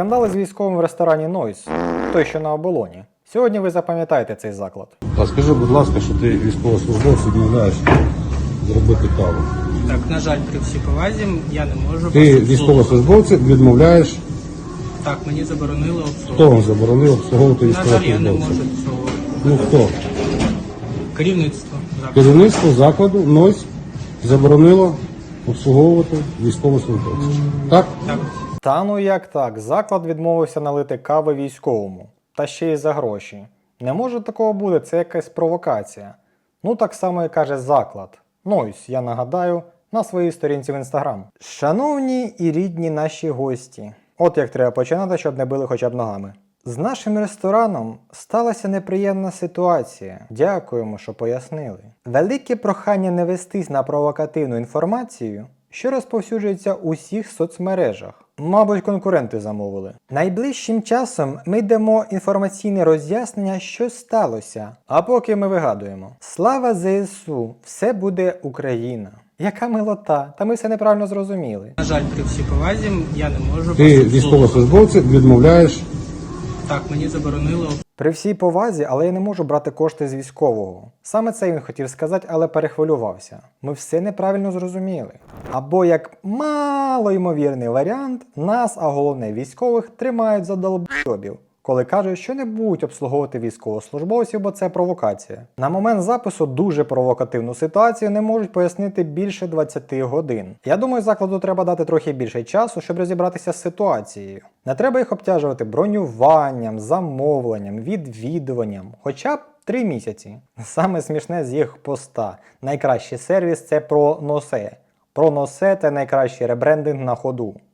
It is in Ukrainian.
Скандали з військовим в ресторані Нойс, той, що на оболоні. Сьогодні ви запам'ятаєте цей заклад. А скажи, будь ласка, що ти військовослужбовцю відмовляєш зробити каву. Так, на жаль, при всій повазі я не можу. Ти військовослужбовцю відмовляєш, Так, мені заборонили хто обслуговувати. вам заборонив обслуговувати На жаль, я не військовослужбовця? можу обслуговувати. Ну хто? Керівництво закладу. Керівництво закладу НОЙС заборонило обслуговувати військовослужбовців. Так? Так. Та ну як так, заклад відмовився налити кави військовому. Та ще й за гроші. Не може такого бути, це якась провокація. Ну так само і каже заклад. Нойс, я нагадаю, на своїй сторінці в інстаграм. Шановні і рідні наші гості. От як треба починати, щоб не били хоча б ногами. З нашим рестораном сталася неприємна ситуація. Дякуємо, що пояснили. Велике прохання не вестись на провокативну інформацію, що розповсюджується у всіх соцмережах. Мабуть, конкуренти замовили. Найближчим часом ми дамо інформаційне роз'яснення, що сталося. А поки ми вигадуємо. Слава ЗСУ! Все буде Україна! Яка милота! Та ми все неправильно зрозуміли. На жаль, при всій повазі я не можу. Ти військовослужбовцю відмовляєш. Так, мені заборонили. При всій повазі, але я не можу брати кошти з військового. Саме це він хотів сказати, але перехвилювався. Ми все неправильно зрозуміли. Або як малоймовірний варіант, нас, а головне військових, тримають за долбойобів, коли кажуть, що не будуть обслуговувати військовослужбовців, бо це провокація. На момент запису дуже провокативну ситуацію не можуть пояснити більше 20 годин. Я думаю, закладу треба дати трохи більше часу, щоб розібратися з ситуацією. Не треба їх обтяжувати бронюванням, замовленням, відвідуванням, хоча б 3 місяці. Саме смішне з їх поста. Найкращий сервіс – це Проносе. Проносе – це найкращий ребрендинг на ходу.